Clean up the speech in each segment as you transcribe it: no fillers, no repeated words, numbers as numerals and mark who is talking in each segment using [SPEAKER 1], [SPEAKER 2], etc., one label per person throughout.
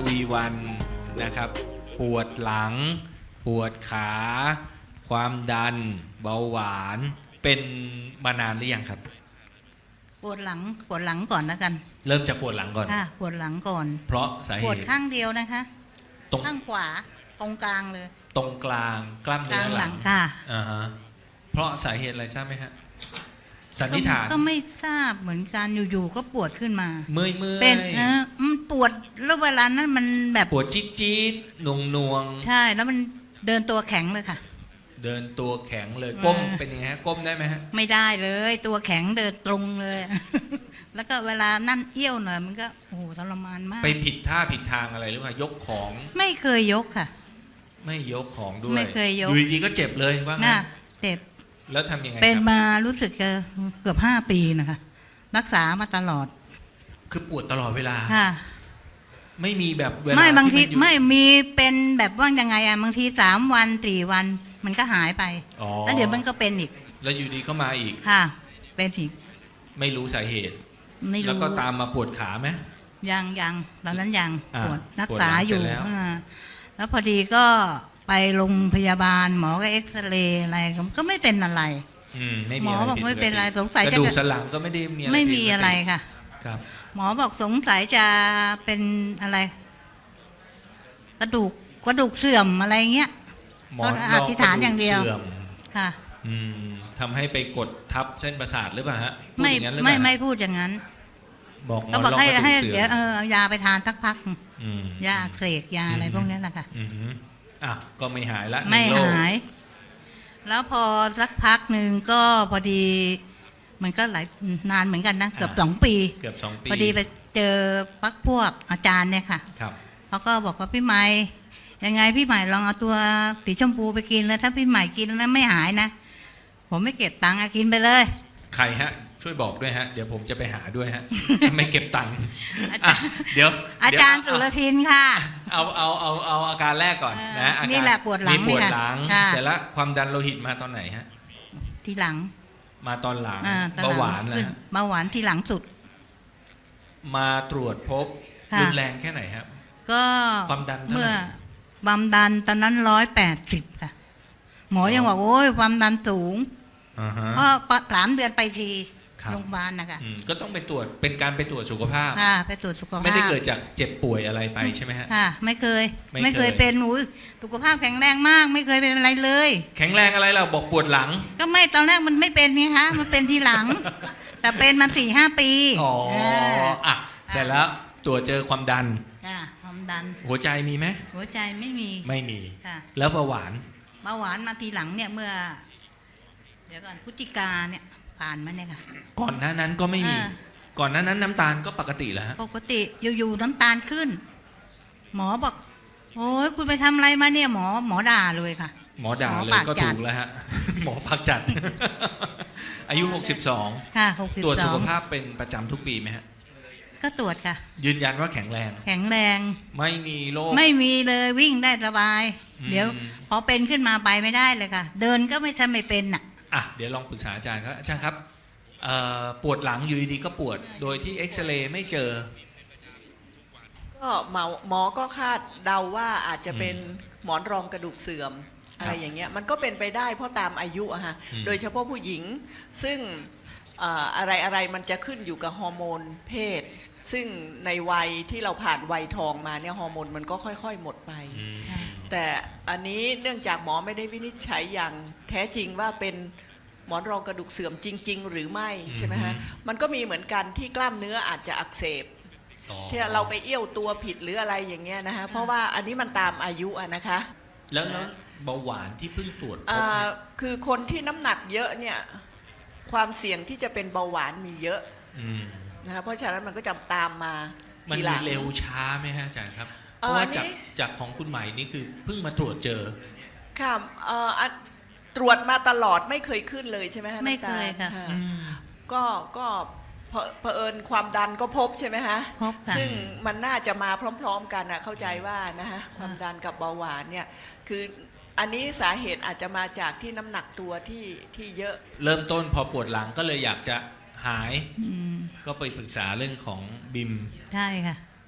[SPEAKER 1] วีวันนะครับปวดหลังปวดขาความดันเบาหวานเป็นมานานหรือยังครับ
[SPEAKER 2] ปวดหลังก่อนแล้วกัน
[SPEAKER 1] เริ่มจากปวดหลังก่อน
[SPEAKER 2] ค่ะปวดหลังก่อน
[SPEAKER 1] เพราะสาเหตุ
[SPEAKER 2] ปวดข้างเดียวนะคะ
[SPEAKER 1] ตรง
[SPEAKER 2] ข้างขวาตรงกลางเลย
[SPEAKER 1] ตรงกลางกล้ามเนื้อหลัง
[SPEAKER 2] ค่ะ
[SPEAKER 1] ฮะเพราะสาเหตุอะไรทราบไหมฮะสันนิษฐาน
[SPEAKER 2] ก็ไม่ทราบเหมือนกันอยู่ๆก็ปวดขึ้นมา
[SPEAKER 1] เมื่อย
[SPEAKER 2] เป็นปวดแล้วเวลานั้นมันแบบ
[SPEAKER 1] ปวดจี๊ดๆหน่วง
[SPEAKER 2] ใช่แล้วมันเดินตัวแข็งเลยค่ะ
[SPEAKER 1] เดินตัวแข็งเลยก้มเป็นยังไงฮะก้มได้ไหมฮะ
[SPEAKER 2] ไม่ได้เลยตัวแข็งเดินตรงเลย แล้วก็เวลานั่นเอี้ยวหน่อยมันก็โอ้โหทรมานมาก
[SPEAKER 1] ไปผิดท่าผิดทางอะไรหรือเปล่ายกของ
[SPEAKER 2] ไม่เคยยกค่ะ
[SPEAKER 1] ไม่ยกของด้วย
[SPEAKER 2] ไม่เคยยก
[SPEAKER 1] อยู่ดีๆก็เจ็บเลยว่างั้น
[SPEAKER 2] เจ็บ
[SPEAKER 1] แล้วทำยังไง
[SPEAKER 2] เป็นมารู้สึกจะเกือบ5 ปีนะคะรักษามาตลอด
[SPEAKER 1] คือปวดตลอดเวลา
[SPEAKER 2] ค่ะ
[SPEAKER 1] ไม่มีแบบเวลา
[SPEAKER 2] ไม่บางทีไม่มีเป็นแบบว่ายังไงอะบางที3 วัน4 วันมันก็หายไปแล้วเดี๋ยวมันก็เป็นอีก
[SPEAKER 1] แล้วอยู่ดีก็มาอีก
[SPEAKER 2] ค่ะเป็นอีก
[SPEAKER 1] ไม่รู้สาเหตุ
[SPEAKER 2] ไม่รู้
[SPEAKER 1] แล้วก็ตามมาปวดขาไหม
[SPEAKER 2] ยังตอนนั้นยังปวดรักษาอยู่แล้วพอดีก็ไปโรงพยาบาลหมอก็เอ็กซเรย์อะไรก็ไม่เป็นอะไรหมอบอกไม่เป็นอะไรสงสัยจะ
[SPEAKER 1] กระดูกสันหลังก็ไม่ได้มีอะไร
[SPEAKER 2] ไม่มีอะไรค่ะ
[SPEAKER 1] ครับ
[SPEAKER 2] หมอบอกสงสัยจะเป็นอะไรกระดูกเสื่อมอะไรเงี้ยก็อธิษฐานอย่างเดียวค่ะ
[SPEAKER 1] ทำให้ไปกดทับเส้นประสาทหรือเปล่าฮะ
[SPEAKER 2] ไม่พูดอย่างนั้น
[SPEAKER 1] ก็
[SPEAKER 2] บอกให้เดี๋ยวเอายาไปทานสักพักยาอักเสบยาอะไรพวกนี้แหละค่ะ
[SPEAKER 1] ก็ไม่หายละ
[SPEAKER 2] ไม่หายแล้วพอสักพักหนึ่งก็พอดีมันก็หลายนานเหมือนกันนะเกือบ2 ปีพอดีไปเจอพวกอาจารย์เนี่ยค่ะเขาก็บอกว่าพี่ใหม่ยังไงพี่ใหม่ลองเอาตัวสีชมพูไปกินแล้วถ้าพี่ใหม่กินแล้วไม่หายนะผมไม่เก็บตังค์กินไปเลย
[SPEAKER 1] ใครฮะช่วยบอกด้วยฮะเดี๋ยวผมจะไปหาด้วยฮะไม่เก็บตังค์เดี๋ยว
[SPEAKER 2] อาจารย์สุรทินค่ะ
[SPEAKER 1] เอาอาการแรกก่อนนะ
[SPEAKER 2] นี่แหละปวดหลัง
[SPEAKER 1] ปวดหลังเสร็จแล้วความดันโลหิตมาตอนไหนฮะ
[SPEAKER 2] ทีหลัง
[SPEAKER 1] มาตอนหลังเบาหวานนะ
[SPEAKER 2] เบาหวานทีหลังสุด
[SPEAKER 1] มาตรวจพบรุนแรงแค่ไหนครับ
[SPEAKER 2] ก็
[SPEAKER 1] ความดัน
[SPEAKER 2] เมื่อความดันตอนนั้น180ค่ะหมอยังบอกโอ้ยความดันสูงเพราะ3 เดือนไปทีโรงพยาบาลนะคะ
[SPEAKER 1] ก็ต้องไปตรวจเป็นการไปตรวจสุขภาพ
[SPEAKER 2] ไปตรวจสุขภาพ
[SPEAKER 1] ไม่ได้เกิดจากเจ็บป่วยอะไรไปใช่ไหมฮะ
[SPEAKER 2] ค่ะไม่เคยเป็นสุขภาพแข็งแรงมากไม่เคยเป็นอะไรเลย
[SPEAKER 1] แข็งแรงอะไรเราบอกปวดหลัง
[SPEAKER 2] ก็ไม่ตอนแรกมันไม่เป็นนี่คะมันเป็นทีหลังแต่เป็นมา4-5 ปี
[SPEAKER 1] เสร็จแล้วตรวจเจอความดัน
[SPEAKER 2] ความดัน
[SPEAKER 1] หัวใจมีไหม
[SPEAKER 2] หัวใจไม่มี
[SPEAKER 1] แล้วเบาหวาน
[SPEAKER 2] มาทีหลังเนี่ยเมื่อเดี๋ยวก่อนพฤศจิกาเนี่ยผ่านมาเนี่ยค่ะ
[SPEAKER 1] ก่อนหน้านั้นก็ไม่มีก่อนหน้านั้นน้ำตาลก็ปกติแล้วฮะ
[SPEAKER 2] ปกติอยู่ๆน้ำตาลขึ้นหมอบอกโอ้ยคุณไปทำอะไรมาเนี่ยหมอด่าเลยค่ะ
[SPEAKER 1] หมอด่าเลยก็ถูกแล้วฮะหมอพักจัดอายุ62
[SPEAKER 2] ค่ะ
[SPEAKER 1] 62ตรวจสุขภาพเป็นประจำทุกปีไหมฮะ
[SPEAKER 2] ก็ตรวจค่ะ
[SPEAKER 1] ยืนยันว่าแข็งแรงไม่มีโรค
[SPEAKER 2] ไม่มีเลยวิ่งได้สบายเดี๋ยวพอเป็นขึ้นมาไปไม่ได้เลยค่ะเดินก็ไม่ใช่ไม่เป็น
[SPEAKER 1] เดี๋ยวลองปรึกษาอาจารย์ครับอาจารย์ครับปวดหลังอยู่ดีๆก็ปวดโดยที่เอ็กซเรย์ไม่เจอ
[SPEAKER 3] ก็หมอก็คาดเดาว่าอาจจะเป็นหมอนรองกระดูกเสื่อมอะไรอย่างเงี้ยมันก็เป็นไปได้เพราะตามอายุอะฮะโดยเฉพาะผู้หญิงซึ่งอะไรมันจะขึ้นอยู่กับฮอร์โมนเพศซึ่งในวัยที่เราผ่านวัยทองมาเนี่ยฮอร์โมนมันก็ค่อยๆหมดไปแต่อันนี้เนื่องจากหมอไม่ได้วินิจฉัยอย่างแท้จริงว่าเป็นหมอนรองกระดูกเสื่อมจริงๆหรือไม่ใช่ไหมฮะมันก็มีเหมือนกันที่กล้ามเนื้ออาจจะอักเสบที่เราไปเอี้ยวตัวผิดหรืออะไรอย่างเงี้ยนะฮะเพราะว่าอันนี้มันตามอายุนะคะ
[SPEAKER 1] แล้วเบาหวานที่เพิ่งตรวจ
[SPEAKER 3] คือคนที่น้ำหนักเยอะเนี่ยความเสี่ยงที่จะเป็นเบาหวานมีเยอะนะเพราะฉะนั้นมันก็จะตามมา
[SPEAKER 1] มันมีเร็วช้าไหมฮะอาจารย์ครับเพราะว่าจากของคุณใหม่นี่คือเพิ่งมาตรวจเจอ
[SPEAKER 3] ค่ะตรวจมาตลอดไม่เคยขึ้นเลยใช่ไหมฮะ
[SPEAKER 2] ไม่เคยค่ะ
[SPEAKER 3] ก็เผอิญความดันก็พบใช่ไหมฮะซึ่งมันน่าจะมาพร้อมๆกันเข้าใจว่านะฮะความดันกับเบาหวานเนี่ยคืออันนี้สาเหตุอาจจะมาจากที่น้ำหนักตัวที่เยอะ
[SPEAKER 1] เริ่มต้นพอปวดหลังก็เลยอยากจะหายก็ไปปรึกษาเรื่องของบิม
[SPEAKER 2] ใช่ค่ะ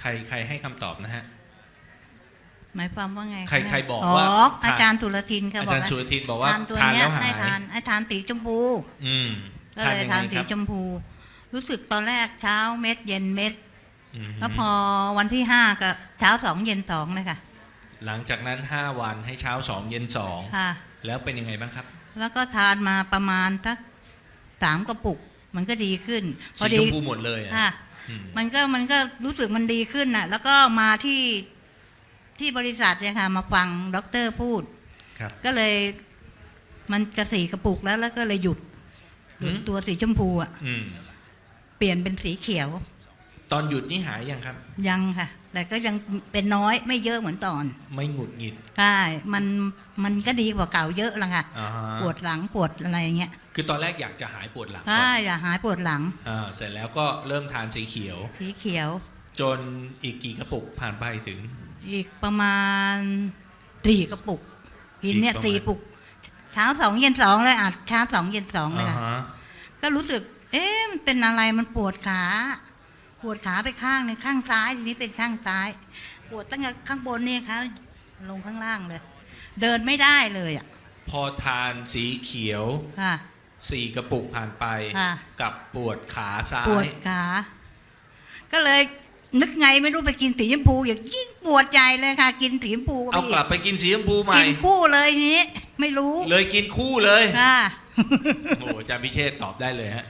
[SPEAKER 1] ใครให้คำตอบนะฮะ
[SPEAKER 2] หมายความว่าไง
[SPEAKER 1] ใครบอก
[SPEAKER 2] อ๋อ
[SPEAKER 1] ว่า
[SPEAKER 2] อาจารย์ตุลทินค่ะ
[SPEAKER 1] อา
[SPEAKER 2] บอก
[SPEAKER 1] จารย์สุรทินบอกว่า
[SPEAKER 2] ทานตัว
[SPEAKER 1] ทาน
[SPEAKER 2] เนี้ย
[SPEAKER 1] แล้วหาย
[SPEAKER 2] ให้ทานสีชมพู
[SPEAKER 1] อืม
[SPEAKER 2] ก็เลย
[SPEAKER 1] ยัง
[SPEAKER 2] ทาน
[SPEAKER 1] ไง
[SPEAKER 2] สี
[SPEAKER 1] ครับ
[SPEAKER 2] ชมพู รู้สึกตอนแรกเช้าเม็ดเย็นเม็ด
[SPEAKER 1] อืม
[SPEAKER 2] แล้วพอวันที่ห้าก็เช้าสองเย็นสองเลยค่ะ
[SPEAKER 1] หลังจากนั้น5วันให้เช้า2เย็น
[SPEAKER 2] ค่ะ
[SPEAKER 1] 2แล้วเป็นยังไงบ้างครับ
[SPEAKER 2] แล้วก็ทานมาประมาณสัก3 กระปุก มันก็ดีขึ้น
[SPEAKER 1] สีชมพูหมดเลยอะ
[SPEAKER 2] ค่ะ
[SPEAKER 1] อืม
[SPEAKER 2] มันก็รู้สึกมันดีขึ้นน่ะ แล้วก็มาที่บริษัทเนี่ยค่ะ มาฟังด็อกเตอร์พูด
[SPEAKER 1] ครับ
[SPEAKER 2] ก็เลยมันจะ4 กระปุกแล้วก็เลยหยุดตัวสีชมพูอ่ะ
[SPEAKER 1] อืม
[SPEAKER 2] เปลี่ยนเป็นสีเขียว
[SPEAKER 1] ตอนหยุดนี่หายยังครับ
[SPEAKER 2] ยังค่ะ แต่ก็ยังเป็นน้อยไม่เยอะเหมือนตอน
[SPEAKER 1] ไม่หงุดหงิด
[SPEAKER 2] ใช่มันก็ดีกว่าเก่าเยอะละค่ะ
[SPEAKER 1] อ่าฮะ
[SPEAKER 2] ปวดหลังปวดอะไรอย่างเงี้ย
[SPEAKER 1] คือตอนแรกอยากจะหายปวดหลังก่
[SPEAKER 2] ใช่
[SPEAKER 1] อน
[SPEAKER 2] อย่าหายปวดหลัง
[SPEAKER 1] เสร็จแล้วก็เริ่มทานสีเขียว
[SPEAKER 2] สีเขียว
[SPEAKER 1] จนอีกกี่กระปุกผ่านไปถึง
[SPEAKER 2] อีกประมาณ4 กระปุกกินเนี่ย
[SPEAKER 1] อีกประมาณ
[SPEAKER 2] 4 ปุก เช้า2เย็น2เลยเช้า2เย็น2เลย
[SPEAKER 1] อ่า
[SPEAKER 2] ค่ะ
[SPEAKER 1] ฮะ
[SPEAKER 2] ก็รู้สึก มันเป็นอะไรมันปวดขาไปข้างหนึงข้างซ้ายทีนี้เป็นข้างซ้าย ปวดตั้งแต่ข้างบนนี่ค่ะลงข้างล่างเลย เดินไม่ได้เลยอ่ะ
[SPEAKER 1] พอทานสีเขียว
[SPEAKER 2] ค่ะ
[SPEAKER 1] 4 กระปุกผ่านไป
[SPEAKER 2] ค่ะ
[SPEAKER 1] กับปวดขาซ้า
[SPEAKER 2] ปวด
[SPEAKER 1] ย
[SPEAKER 2] ขา ก็เลยนึกไงไม่รู้ไปกินสีชมพูอย่างยิ่งปวดใจเลยค่ะ กินสีชมพูก็
[SPEAKER 1] เอา
[SPEAKER 2] ไป
[SPEAKER 1] กลับไปกินสีชมพูใหม่
[SPEAKER 2] กินคู่เลยทีนี้ไม่รู้
[SPEAKER 1] เลยกินคู่เลย
[SPEAKER 2] ค่ะ
[SPEAKER 1] โอ้อาจารย์พิเชษฐ์ตอบได้เลยฮะ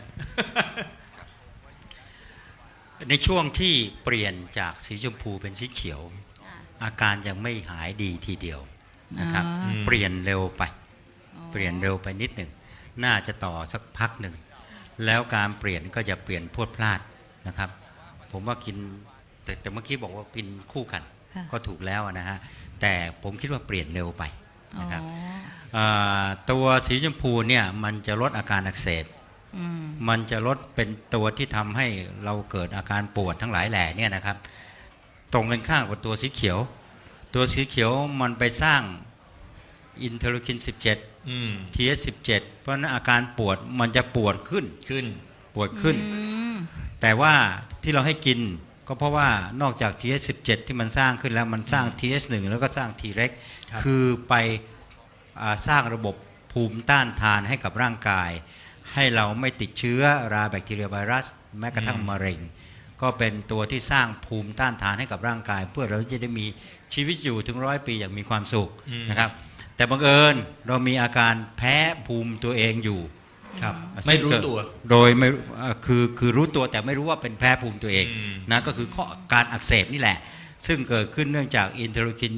[SPEAKER 4] ในช่วงที่เปลี่ยนจากสีชมพูเป็นสีเขียว อาการยังไม่หายดีทีเดียวนะครับ
[SPEAKER 2] อ๋อ
[SPEAKER 4] เปลี่ยนเร็วไป เปลี่ยนเร็วไปนิดหนึ่งน่าจะต่อสักพักหนึ่งแล้วการเปลี่ยนก็จะเปลี่ยนพรวดพลาดนะครับ ผมว่ากินแต่เมื่อกี้บอกว่ากินคู่กัน
[SPEAKER 2] ค่ะ
[SPEAKER 4] ก็ถูกแล้วนะฮะแต่ผมคิดว่าเปลี่ยนเร็วไปนะครับ
[SPEAKER 2] อ๋อ
[SPEAKER 4] ตัวสีชมพูเนี่ยมันจะลดอาการอักเสบ
[SPEAKER 2] อืม
[SPEAKER 4] มันจะลดเป็นตัวที่ทำให้เราเกิดอาการปวดทั้งหลายแหล่เนี่ยนะครับ ตรงกันข้ามกับตัวสีเขียว ตัวสีเขียวมันไปสร้างอินเทอร์ลูคิน 17
[SPEAKER 1] อืม
[SPEAKER 4] TH17 เพราะฉะนั้นอาการปวดมันจะปวดขึ้น
[SPEAKER 1] ขึ้น
[SPEAKER 4] ปวดขึ้น แต่ว่าที่เราให้กินก็เพราะว่านอกจาก TH17 ที่มันสร้างขึ้นแล้วมันสร้าง TH1 แล้วก็สร้าง Treg
[SPEAKER 1] ครับ
[SPEAKER 4] คือไปสร้างระบบภูมิต้านทานให้กับร่างกาย ให้เราไม่ติดเชื้อราแบคทีเรียไวรัสแม้กระทั่งมะเร็ง ก็เป็นตัวที่สร้างภูมิต้านทานให้กับร่างกาย เพื่อเราจะได้มีชีวิตอยู่ถึง100 ปีอย่างมีความสุข
[SPEAKER 1] อืม
[SPEAKER 4] นะครับ แต่บังเอิญเรามีอาการแพ้ภูมิตัวเองอยู่
[SPEAKER 1] ครับ ไม่รู้ตัว
[SPEAKER 4] โดยไม่คือรู้ตัวแต่ไม่รู้ว่าเป็นแพ้ภูมิตัวเอง
[SPEAKER 1] อืม
[SPEAKER 4] นะก็คือข้อการอักเสบนี่แหละ ซึ่งเกิดขึ้นเนื่องจากอินเทอร์ลูคิน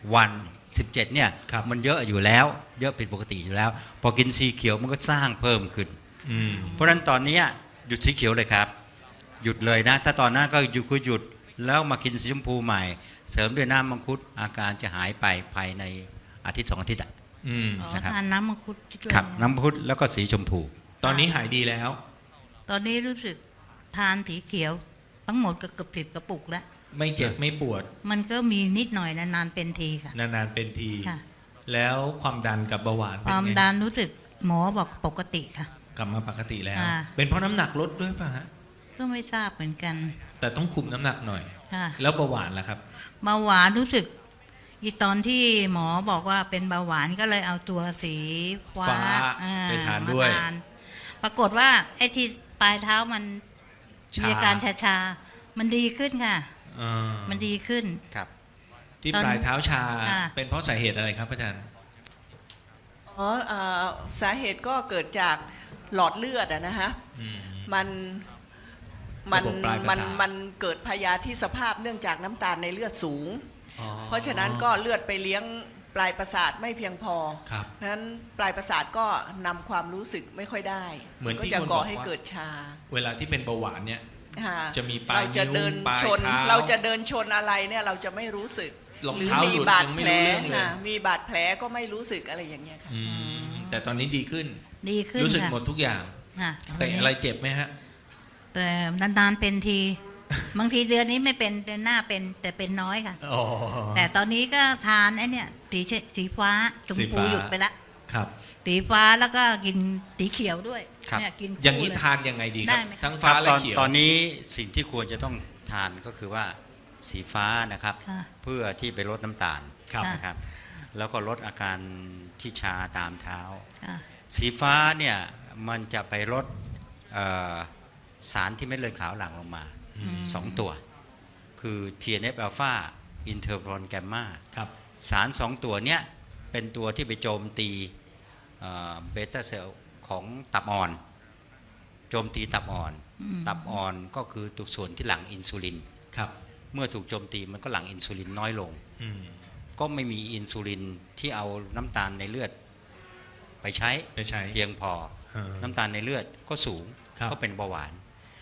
[SPEAKER 4] 17 เนี่ย
[SPEAKER 1] ครับ
[SPEAKER 4] มันเยอะอยู่แล้ว เยอะผิดปกติอยู่แล้ว พอกินสีเขียวมันก็สร้างเพิ่มขึ้น
[SPEAKER 1] อืม
[SPEAKER 4] เพราะฉะนั้นตอนนี้หยุดสีเขียวเลยครับ หยุดเลยนะ ถ้าตอนนั้นก็หยุดแล้วมากินสีชมพูใหม่ เสริมด้วยน้ำมังคุดอาการจะหายไปภายในอาทิตย์ 2 อาทิตย์อะ
[SPEAKER 1] อืม
[SPEAKER 2] อ๋อ
[SPEAKER 4] นะครับ
[SPEAKER 2] ทานน้ำมังคุดด้วย
[SPEAKER 4] ครับน้ำมังคุดแล้วก็สีชมพู
[SPEAKER 1] ตอนนี้หายดีแล้ว
[SPEAKER 2] ตอนนี้รู้สึกทานสีเขียว ทั้งหมดก็เกือบ10 กระปุกแล้ว
[SPEAKER 1] ไม่เจ็บไม่ปวด
[SPEAKER 2] มันก็มีนิดหน่อยนานๆเป็นทีค่ะ
[SPEAKER 1] นานๆเป็นที
[SPEAKER 2] ค่ะ
[SPEAKER 1] แล้วความดันกับเบาหวาน
[SPEAKER 2] ค
[SPEAKER 1] เป็น
[SPEAKER 2] วาม
[SPEAKER 1] ไง
[SPEAKER 2] ดันรู้สึกหมอบอกปกติค่ะ
[SPEAKER 1] กลับมาปกติแล้ว
[SPEAKER 2] อ่า
[SPEAKER 1] เป็นเพราะน้ำหนักลดด้วยป่ะฮะ
[SPEAKER 2] ก็ไม่ทราบเหมือนกัน
[SPEAKER 1] แต่ต้องคุมน้ำหนักหน่อย
[SPEAKER 2] ค่ะ
[SPEAKER 1] แล้วเบาหวานล่ะครับ
[SPEAKER 2] เบาหวานรู้สึกอีตอนที่หมอบอกว่าเป็นเบาหวานก็เลยเอาตัวสีฟ้า
[SPEAKER 1] ฟ้า
[SPEAKER 2] อ่
[SPEAKER 1] ไปทานด้วย
[SPEAKER 2] มทานปรากฏว่าไอ้ที่ปลายเท้ามัน
[SPEAKER 1] ชา
[SPEAKER 2] มีอาการชาๆมันดีขึ้นค่ะ
[SPEAKER 1] อ่า
[SPEAKER 2] มันดีขึ้น
[SPEAKER 4] ครับ
[SPEAKER 1] ที่
[SPEAKER 2] ตอน
[SPEAKER 1] ปลายเท้าชา
[SPEAKER 2] อ่า
[SPEAKER 1] เป็นเพราะสาเหตุอะไรครับอาจารย์
[SPEAKER 3] สาเหตุก็เกิดจากหลอดเลือดนะฮะ
[SPEAKER 1] อืม
[SPEAKER 3] มัน
[SPEAKER 1] ระบบปลายประสาท
[SPEAKER 3] มันเกิดพยาธิสภาพเนื่องจากน้ำตาลในเลือดสูง
[SPEAKER 1] อ๋อ
[SPEAKER 3] เพราะฉะนั้นก็เลือดไปเลี้ยงปลายประสาทไม่เพียงพอ
[SPEAKER 1] ครับ
[SPEAKER 3] นั้นปลายประสาทก็นำความรู้สึกไม่ค่อยได้
[SPEAKER 1] เหมือน
[SPEAKER 3] ก็
[SPEAKER 1] ที่
[SPEAKER 3] จะ
[SPEAKER 1] คน
[SPEAKER 3] ก่อ
[SPEAKER 1] บอก
[SPEAKER 3] ให้
[SPEAKER 1] ว่า
[SPEAKER 3] เกิดชา
[SPEAKER 1] เวลาที่เป็นเบาหวานเนี่ย
[SPEAKER 3] ฮ
[SPEAKER 1] จะมีปลาย
[SPEAKER 3] เราจะเดิน
[SPEAKER 1] นิ้วปลาย
[SPEAKER 3] ชน
[SPEAKER 1] เท้า
[SPEAKER 3] เราจะเดินชนอะไรเนี่ยเราจะไม่รู้สึก
[SPEAKER 1] รอง
[SPEAKER 3] หรือ
[SPEAKER 1] เท้า
[SPEAKER 3] มี
[SPEAKER 1] หลุด
[SPEAKER 3] บาด
[SPEAKER 1] ยังไม่
[SPEAKER 3] แผล
[SPEAKER 1] รู้เรื่องเลย
[SPEAKER 3] ค่ะมีบาดแผลก็ไม่รู้สึกอะไรอย่างเงี้ยค่ะ
[SPEAKER 1] อืมแต่ตอนนี้ดีขึ้น
[SPEAKER 2] ดีขึ้น
[SPEAKER 1] รู้สึก
[SPEAKER 2] ค่ะ
[SPEAKER 1] หมดทุกอย่าง
[SPEAKER 2] ค่ะ
[SPEAKER 1] แต่อะไรเจ็บไหมฮะ
[SPEAKER 2] แต่นานๆเป็นที บางทีเดือนนี้ไม่เป็นเดือนหน้าเป็นแต่เป็นน้อยค่ะ
[SPEAKER 1] อ๋อ
[SPEAKER 2] แต่ตอนนี้ก็ทานไอ้เนี่ยสีฟ้าชม
[SPEAKER 1] สี
[SPEAKER 2] พู
[SPEAKER 1] ฟ้า
[SPEAKER 2] หยุดไปละ
[SPEAKER 1] ครับ
[SPEAKER 2] สีฟ้าแล้วก็กินสีเขียวด้วย
[SPEAKER 4] ครับ
[SPEAKER 2] เนี่ยกินคู่
[SPEAKER 1] อย่างนี้
[SPEAKER 2] เลย
[SPEAKER 1] ทานยังไงดีครับ
[SPEAKER 2] ได้ไหม
[SPEAKER 1] ทั้ง
[SPEAKER 4] ค
[SPEAKER 1] ฟ้า
[SPEAKER 4] รับ
[SPEAKER 1] และเขียว
[SPEAKER 4] ตอนนี้สิ่งที่ควรจะต้องทานก็คือว่าสีฟ้านะครับ
[SPEAKER 2] ค่ะ
[SPEAKER 4] เพื่อที่ไปลดน้ำตาล
[SPEAKER 1] ครับ
[SPEAKER 2] ค่ะ
[SPEAKER 4] นะครับแล้วก็ลดอาการที่ชาตามเท้า
[SPEAKER 2] ค่ะ
[SPEAKER 4] สีฟ้าเนี่ยมันจะไปลดสารที่เม็ดเลือดขาวหลั่งลงมา 2 ตัว คือ TNF อ l p h a อินเทอร์ฟรอนแกมมา
[SPEAKER 1] ครับ
[SPEAKER 4] สาร 2 ตัวเนี้ยเป็นตัวที่ไปโจมตีเบต้าเซลล์ของตับอ่อน โจมตีตับอ่อน ตับอ่อนก็คือตัวส่วนที่หลั่งอินซูลิน
[SPEAKER 1] ครับ
[SPEAKER 4] เมื่อถูกโจมตีมันก็หลั่งอินซูลินน้อยลง
[SPEAKER 1] อืม
[SPEAKER 4] ก็ไม่มีอินซูลินที่เอาน้ำตาลในเลือดไปใช้
[SPEAKER 1] ไปใช้
[SPEAKER 4] เพียงพอ น้ำตาลในเลือดก็สูง
[SPEAKER 1] ครับ
[SPEAKER 4] ก็เป็นเบาหวาน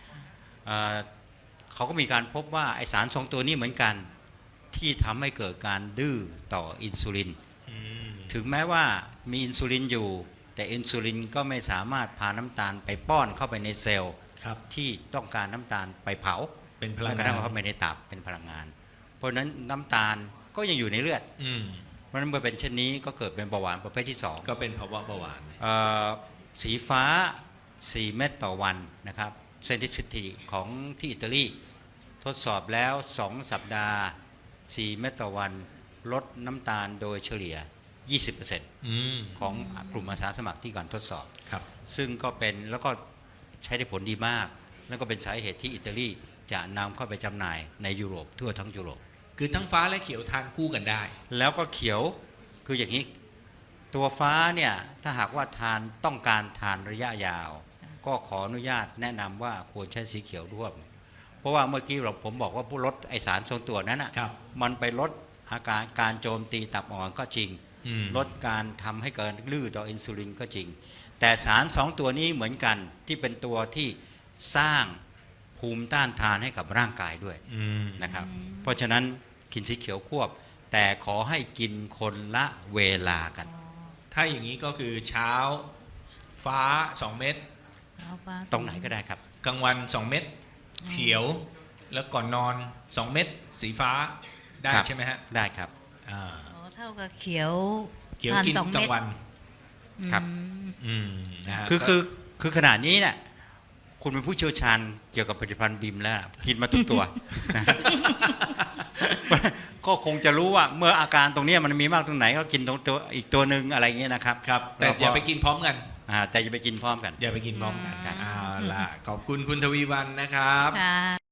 [SPEAKER 4] เขาก็มีการพบว่าไอสาร2 ตัวนี้เหมือนกันที่ทำให้เกิดการดื้อต่ออินซูลิน
[SPEAKER 1] อืม
[SPEAKER 4] ถึงแม้ว่ามีอินซูลินอยู่ แต่อินซูลินก็ไม่สามารถพาน้ำตาลไปป้อนเข้าไปในเซลล์
[SPEAKER 1] ครับ
[SPEAKER 4] ที่ต้องการน้ำตาลไปเผา
[SPEAKER 1] เป็นพลั
[SPEAKER 4] แม้
[SPEAKER 1] ง
[SPEAKER 4] กระ
[SPEAKER 1] งา
[SPEAKER 4] ทั่
[SPEAKER 1] น
[SPEAKER 4] งเข้าไปในตับเป็นพลังงาน เพราะฉะนั้นน้ำตาลก็ยังอยู่ในเลือด
[SPEAKER 1] อืม
[SPEAKER 4] เพราะฉะนั้นเมื่อเป็นเช่นนี้ก็เกิดเป็นเบาหวานประเภทที่2
[SPEAKER 1] ก็เป็นภาวะเบาหวาน
[SPEAKER 4] สีฟ้า 4 เม็ดต่อวันนะครับเซนติสิตีของที่อิตาลีทดสอบแล้ว 2 สัปดาห์ 4 เม็ดต่อวันลดน้ำตาลโดยเฉลี่ย 20%
[SPEAKER 1] อืม
[SPEAKER 4] ของกลุ่มอาสาสมัครที่ก่อนทดสอบ
[SPEAKER 1] ครับ
[SPEAKER 4] ซึ่งก็เป็นแล้วก็ใช้ได้ผลดีมาก แล้วก็เป็นสาเหตุที่อิตาลีจะนำเข้าไปจำหน่ายในยุโรปทั่วทั้งยุโรป
[SPEAKER 1] คือทั้งฟ้าและเขียวทานคู่กันได้
[SPEAKER 4] แล้วก็เขียวคืออย่างนี้ตัวฟ้าเนี่ยถ้าหากว่าต้องการทานระยะยาว ก็ขออนุญาตแนะนำว่าควรใช้สีเขียวร่วม เพราะว่าเมื่อกี้ผมบอกว่าผู้ลดไอสารทรงตัวนั้นอ่ะ
[SPEAKER 1] ครับ
[SPEAKER 4] มันไปลดอาการการโจมตีตับอ่อนก็จริง
[SPEAKER 1] อืม
[SPEAKER 4] ลดการทำให้เกิดลื้อต่ออินซูลินก็จริง แต่สาร 2 ตัวนี้เหมือนกันที่เป็นตัวที่สร้างภูมิต้านทานให้กับร่างกายด้วย
[SPEAKER 1] อืม
[SPEAKER 4] นะครับเพราะฉะนั้นกินสีเขียวควบ แต่ขอให้กินคนละเวลากัน
[SPEAKER 1] ถ้าอย่างนี้ก็คือเช้าฟ้า 2 เม็ด
[SPEAKER 2] เอาปลา
[SPEAKER 4] ตรงไหนก็ได้ครับ
[SPEAKER 1] กลางวัน 2 เม็ดเขียว แล้วก่อนนอน 2 เม็ดสีฟ้าได้
[SPEAKER 4] ครับ
[SPEAKER 1] ใช่ไหมฮะ
[SPEAKER 4] ได้ครับ
[SPEAKER 1] อ่า
[SPEAKER 2] อ๋อเท่ากับเขียว
[SPEAKER 1] เขียว
[SPEAKER 2] ทาน
[SPEAKER 1] กิน
[SPEAKER 2] สอง
[SPEAKER 1] กลา
[SPEAKER 2] เม็ด
[SPEAKER 1] งวัน
[SPEAKER 4] ครับ
[SPEAKER 2] อืม
[SPEAKER 1] นะฮะ
[SPEAKER 4] คือขนาดนี้เนี่ยคุณเป็นผู้เชี่ยวชาญเกี่ยวกับผลิตภัณฑ์บิมแล้วกินมาทุกตัว ก็คงจะรู้ว่าเมื่ออาการตรงเนี้ยมันมีมากตรงไหนก็กินตรงตัวอีกตัวหนึ่งอะไรเงี้ยนะครับ
[SPEAKER 1] ครับ แต่อย่าไปกินพร้อมกัน
[SPEAKER 4] แต่อย่าไปกินพร้อมกัน
[SPEAKER 1] อย่าไปกินพร้อมกัน
[SPEAKER 2] ครับ
[SPEAKER 1] เอาล่ะขอบคุณคุณทวีวรรณนะครับ
[SPEAKER 2] ค่ะ